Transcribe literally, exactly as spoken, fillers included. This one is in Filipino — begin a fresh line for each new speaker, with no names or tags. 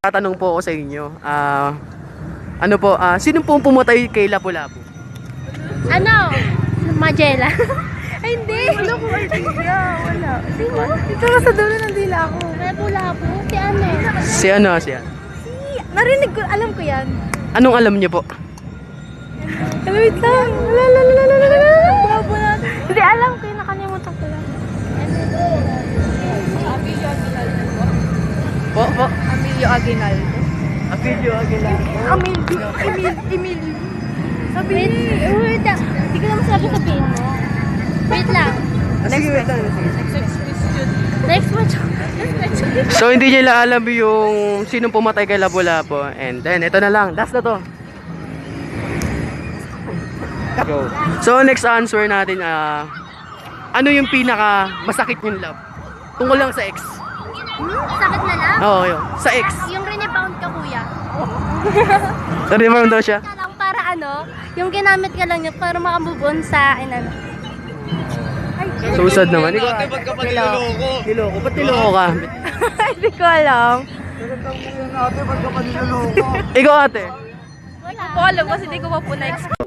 Tatanong po ako sa inyo. Ah, ano po, ah, sino po ang pumatay kay Lapu-Lapu?
Ano? Magella. Ay, hindi.
Wala ko idea. Wala. Sino? Ito nga sa dulo ng dila ako.
Lapu-Lapu. Si ano?
Si ano, si ano?
Narinig ko, alam ko yan.
Anong alam niyo po?
Wait lang. Wala, wala, wala, wala, wala. Babo na. Hindi, alam ko yun. Nakalimutan ko lang.
Po, po.
Emilio Aguinaldo.
Apelyo Aguilar.
Emilio. Emil, Emilio. Sabi
Wait, wait lang. Hindi ko naman sabi sabihin mo. Wait lang.
Sige, wait lang.
Next question. Next question.
So, hindi niya alam yung sinong pumatay kay Lapu-Lapu. And then, ito na lang. Last na to. Go. So, next answer natin, ah, ano yung pinaka masakit yung love? Tungkol lang sa ex.
Sakit na lang?
Oo, yun. Sa ex.
Yung rebound ka, kuya.
Sorry, mo daw siya.
Ka lang para ano, yung ginamit ka lang niya para makamove on sa inan.
Susad naman. Ikaw, ate, ba't ka pa niloloko? Niloko? Ba't niloko ka?
Hindi ko alam.
Ikaw, ate.
Wala.
Hindi ko alam kasi hindi ko pa po na-explain.